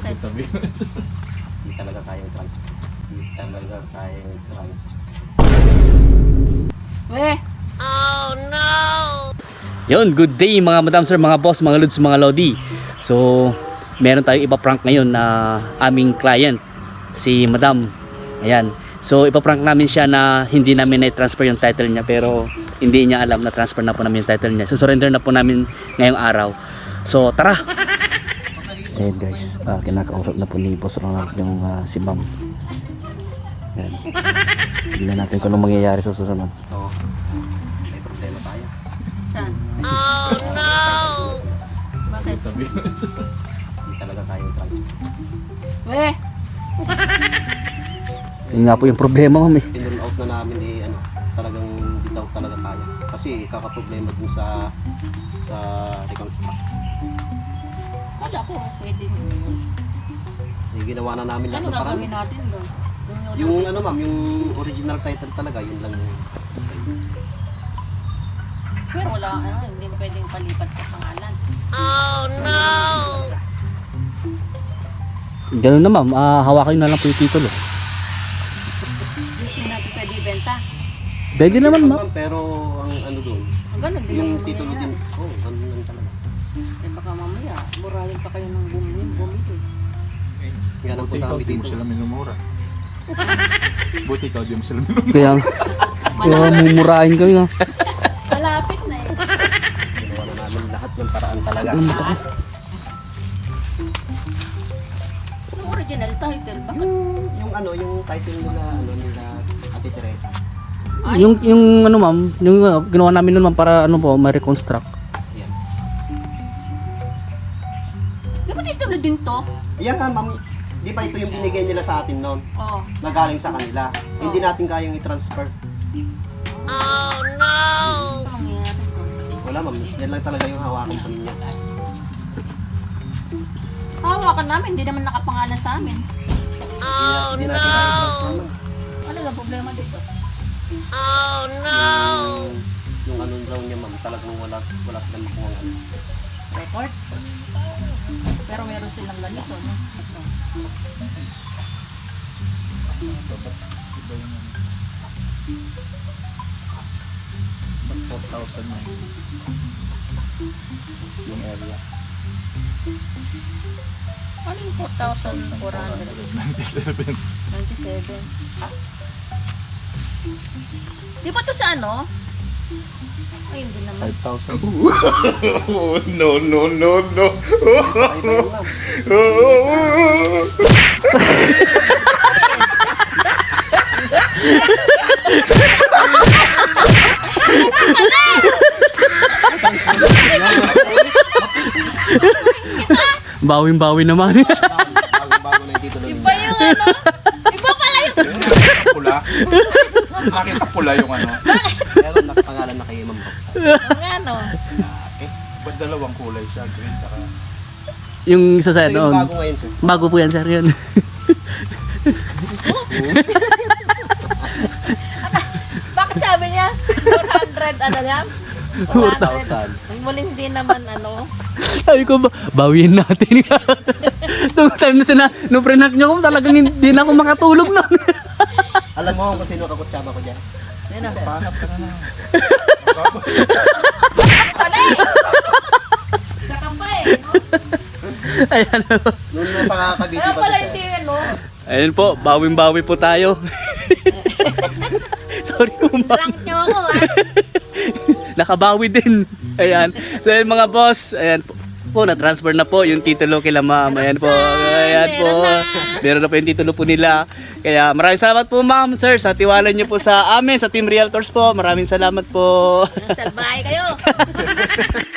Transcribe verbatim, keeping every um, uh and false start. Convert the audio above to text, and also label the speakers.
Speaker 1: Bakit?
Speaker 2: Hindi talaga kayang transfer. Hindi talaga kayang transfer.
Speaker 1: Eh,
Speaker 3: Yun, good day mga madam sir, mga boss, mga lods, mga lodi. So, meron tayong ipa prank ngayon na aming client, si madam. Ayan. So, ipa prank namin siya na hindi namin na-transfer yung title niya, pero hindi niya alam na transfer na po namin yung title niya. So, surrender na po namin ngayong araw. So, tara! Ayan guys, uh, kinakausap na po ni Boss Ronald yung uh, si ma'am. Ayan. Tignan natin kung anong mangyayari sa susunod.
Speaker 2: Oo. May problema tayo.
Speaker 1: saan? Bakit?
Speaker 2: Hindi talaga kayang transfer.
Speaker 1: Eh,
Speaker 3: Yun nga po yung problema ma'am eh.
Speaker 2: Pinroll out na namin eh, ano, talagang hindi daw talaga kaya. Kasi kakaproblema dun sa sa reconstruct.
Speaker 1: wala ko. Pwede din.
Speaker 2: Eh, ginawa na namin lahat
Speaker 1: Ano
Speaker 2: ng paraan.
Speaker 1: gagawin natin doon?
Speaker 2: Yung ano ma'am, yung original title talaga, yun lang yung
Speaker 1: Pero wala, ano, hindi mo pwedeng palipat sa pangalan.
Speaker 3: Ganun na ma'am, uh, hawakan nyo na lang po yung titulo.
Speaker 1: Hindi natin pwede ibenta.
Speaker 3: Pwede naman ma'am.
Speaker 2: pero ang ano doon,
Speaker 1: Ang ganun din
Speaker 2: yung
Speaker 1: naman
Speaker 2: titulo din,
Speaker 1: mangyayari.
Speaker 2: oh, ganun lang talaga.
Speaker 1: Eh baka mamaya, burahin pa kayo ng bumili, bumili.
Speaker 2: Kaya nang
Speaker 4: Buti
Speaker 2: punta
Speaker 4: ikaw,
Speaker 2: kami
Speaker 4: di mo
Speaker 2: dito.
Speaker 4: sila minumura. Buti ikaw, di mo sila minumura.
Speaker 3: Kaya, kaya mumurahin kami nga.
Speaker 1: Malapit na eh.
Speaker 2: Ginawa na namin lahat ng paraan talaga.
Speaker 1: Yung original title, bakit?
Speaker 2: Yung ano, yung title nila, ano nila, Ate Teresa.
Speaker 1: Ay,
Speaker 3: Yung, yung ano ma'am, yung uh, ginawa namin nun ma'am para ano po, ma-reconstruct.
Speaker 2: Yan.
Speaker 1: di ba titulo din to?
Speaker 2: Yan nga ma'am, di ba ito yung binigay nila sa atin noon?
Speaker 1: Oo.
Speaker 2: Nagaling sa kanila. Hindi natin kayang i-transfer.
Speaker 1: Ano mangyayari doon?
Speaker 2: Wala ma'am, yan lang talaga yung hawakan po ninyo.
Speaker 1: Hawakan namin, hindi naman nakapangalan sa amin.
Speaker 2: Oh no! Hindi natin kayang i-transfer ma'am.
Speaker 1: Ano ba problema dito?
Speaker 2: Yung, yung ano daw niya ma'am, talagang wala, wala silang makuha ano.
Speaker 1: Record? Pero meron silang ganito, no? Ito.
Speaker 4: four thousand na yung area.
Speaker 1: Ano yung four thousand four hundred
Speaker 4: ninety-seven.
Speaker 1: ninety-seven? Di ba to sa ano? Ay, hindi naman.
Speaker 4: five thousand.
Speaker 5: no, no, no, no.
Speaker 2: Ay, ba yun ma'am?
Speaker 3: Bawin-bawi naman.
Speaker 2: Bago-bago na yung titulo ninyo.
Speaker 1: Iba yung ano? Iba pala yung...
Speaker 4: Pula. Nakita pula yung ano.
Speaker 2: Pero nakapangalan na kay Ma'am Roxanne.
Speaker 1: Ang ano?
Speaker 4: Eh, ba't dalawang kulay siya? Green tsaka...
Speaker 3: Yung isa sa
Speaker 2: Ito yung
Speaker 3: ano,
Speaker 2: bago ngayon sir.
Speaker 3: bago po yan sir yun.
Speaker 1: Bakit sabi niya? four hundred, ano yan?
Speaker 2: four thousand.
Speaker 1: Ang muling din naman, ano?
Speaker 3: Sabi ko, ba, bawiin natin. Nung time na sina, nung prenak nyo ko, talagang hindi na ako makatulog nun.
Speaker 2: Alam mo kung sino kakutsaba ko dyan?
Speaker 1: Yan na.
Speaker 4: Pahanap ka na na.
Speaker 1: Pala eh! Isa ka pa eh, no?
Speaker 3: Ayan.
Speaker 2: Noon nasa Cavite
Speaker 1: Kaya
Speaker 2: pa
Speaker 1: pala
Speaker 2: siya.
Speaker 1: hindi, ano?
Speaker 3: Ayun po, bawing-bawi po tayo. Sorry po ma'am.
Speaker 1: Rank niyo ako, ah.
Speaker 3: Nakabawi din. Ayan. So ayan mga boss, ayan po. Po, na-transfer na po yung titulo kila ma'am. Ayan po. Ayan po. Meron na po yung titulo po nila. Kaya maraming salamat po ma'am, sir, sa tiwala niyo po sa amin, sa Team Realtors po. Maraming salamat po.
Speaker 1: Salbahay kayo.